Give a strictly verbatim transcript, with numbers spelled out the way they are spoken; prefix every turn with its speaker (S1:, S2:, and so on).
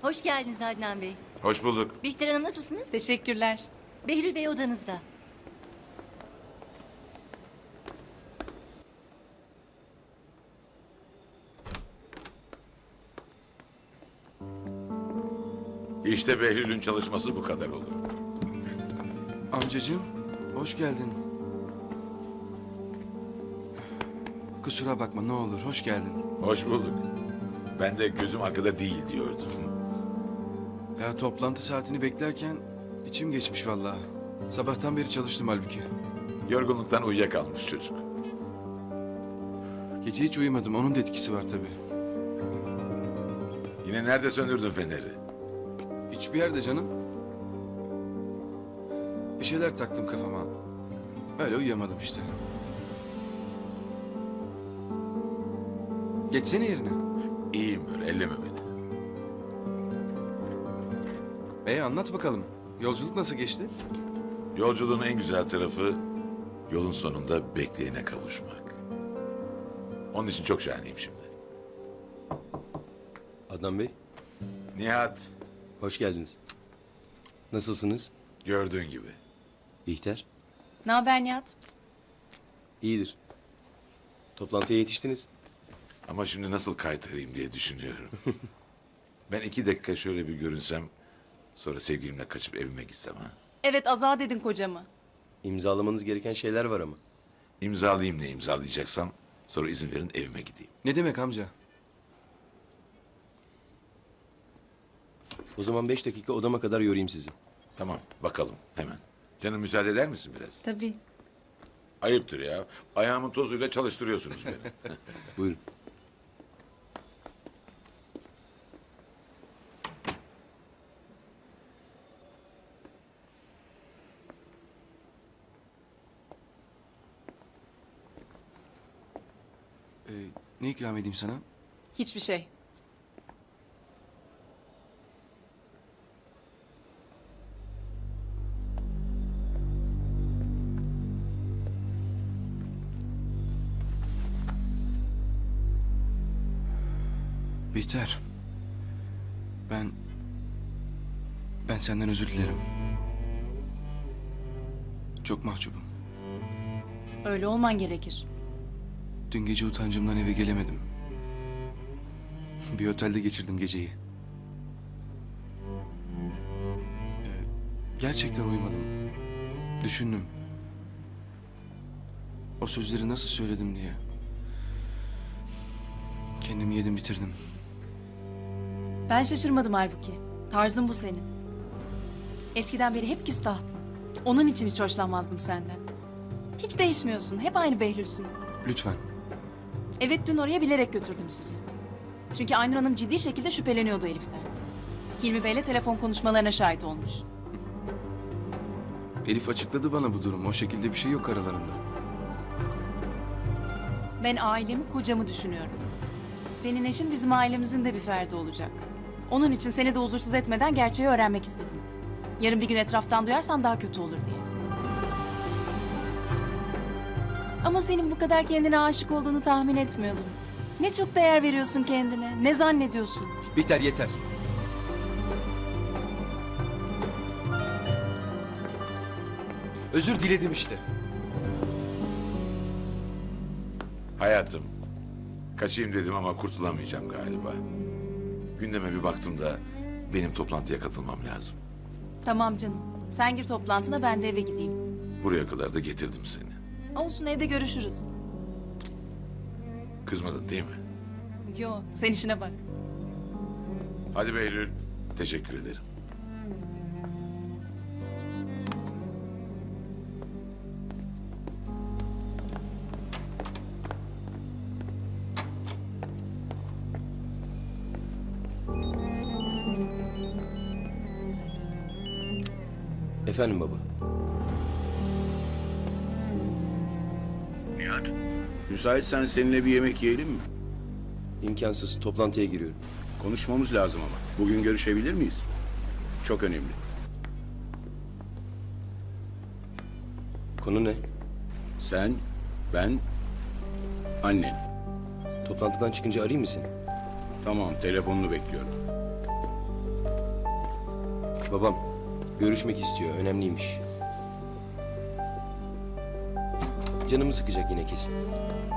S1: Hoş geldiniz Adnan Bey.
S2: Hoş bulduk.
S1: Bihter Hanım nasılsınız?
S3: Teşekkürler.
S1: Behlül Bey odanızda.
S2: İşte Behlül'ün çalışması bu kadar olur.
S4: Amcacığım, hoş geldin. Kusura bakma ne olur, hoş geldin.
S2: Hoş bulduk. Ben de gözüm arkada değil diyordum.
S4: Ya toplantı saatini beklerken içim geçmiş vallahi. Sabahtan beri çalıştım halbuki.
S2: Yorgunluktan uyuyakalmış çocuk.
S4: Gece hiç uyumadım, onun da etkisi var tabii.
S2: Yine nerede söndürdün feneri?
S4: Hiçbir yerde canım. Bir şeyler taktım kafama. Öyle uyuyamadım işte. Geçsene yerine.
S2: İyiyim böyle, elleme beni.
S4: E anlat bakalım. Yolculuk nasıl geçti?
S2: Yolculuğun en güzel tarafı yolun sonunda bekleyene kavuşmak. Onun için çok şahaneyim şimdi.
S5: Adnan Bey,
S2: Nihat,
S5: hoş geldiniz. Nasılsınız?
S2: gördüğün gibi.
S5: Bihter,
S3: Ne haber Nihat?
S5: iyidir. Toplantıya yetiştiniz.
S2: Ama şimdi nasıl kaytarayım diye düşünüyorum. Ben iki dakika şöyle bir görünsem, sonra sevgilimle kaçıp evime gitsem ha.
S3: Evet, azat edin kocamı.
S5: İmzalamanız gereken şeyler var ama.
S2: İmzalayayım ne imzalayacaksam, sonra izin verin evime gideyim.
S4: Ne demek amca?
S5: O zaman beş dakika odama kadar yorayım sizi.
S2: Tamam, bakalım hemen. Canım müsaade eder misin biraz?
S3: Tabii.
S2: Ayıptır ya. Ayağımın tozuyla çalıştırıyorsunuz beni.
S5: Buyurun.
S4: Ee, ne ikram edeyim sana?
S3: Hiçbir şey.
S4: Bihter. Ben... Ben senden özür dilerim. Çok mahcubum.
S3: Öyle olman gerekir.
S4: Dün gece utancımdan eve gelemedim. Bir otelde geçirdim geceyi. Ee, gerçekten uyumadım. Düşündüm. O sözleri nasıl söyledim diye. Kendimi yedim bitirdim.
S3: Ben şaşırmadım halbuki. Tarzın bu senin. Eskiden beri hep küstahtın. Onun için hiç hoşlanmazdım senden. Hiç değişmiyorsun. Hep aynı Behlül'sün.
S4: Lütfen.
S3: Evet, dün oraya bilerek götürdüm sizi. Çünkü Aynur Hanım ciddi şekilde şüpheleniyordu Elif'ten. Hilmi Bey'le telefon konuşmalarına şahit olmuş.
S4: Elif açıkladı bana bu durumu. O şekilde bir şey yok aralarında.
S3: Ben ailemi, kocamı düşünüyorum. Senin eşin bizim ailemizin de bir ferdi olacak. Onun için seni de huzursuz etmeden gerçeği öğrenmek istedim. Yarın bir gün etraftan duyarsan daha kötü olur diye. Ama senin bu kadar kendine aşık olduğunu tahmin etmiyordum. Ne çok değer veriyorsun kendine, ne zannediyorsun?
S4: Bihter yeter. Özür diledim işte.
S2: Hayatım, kaçayım dedim ama kurtulamayacağım galiba. Gündeme bir baktım da benim toplantıya katılmam lazım.
S3: Tamam canım, sen gir toplantına, ben de eve gideyim.
S2: Buraya kadar da getirdim seni.
S3: Olsun, evde görüşürüz.
S2: Kızmadın değil mi?
S3: Yo, sen işine bak.
S2: Hadi Behlül, teşekkür ederim.
S5: Efendim baba.
S6: Nihat, müsaitsen seninle bir yemek yiyelim mi?
S5: İmkansız. Toplantıya giriyorum.
S6: Konuşmamız lazım ama. Bugün görüşebilir miyiz? Çok önemli.
S5: Konu ne?
S6: Sen, ben, annen.
S5: Toplantıdan çıkınca arayayım mı seni?
S6: Tamam, telefonunu bekliyorum.
S5: Babam görüşmek istiyor. Önemliymiş. Canımı sıkacak yine kesin.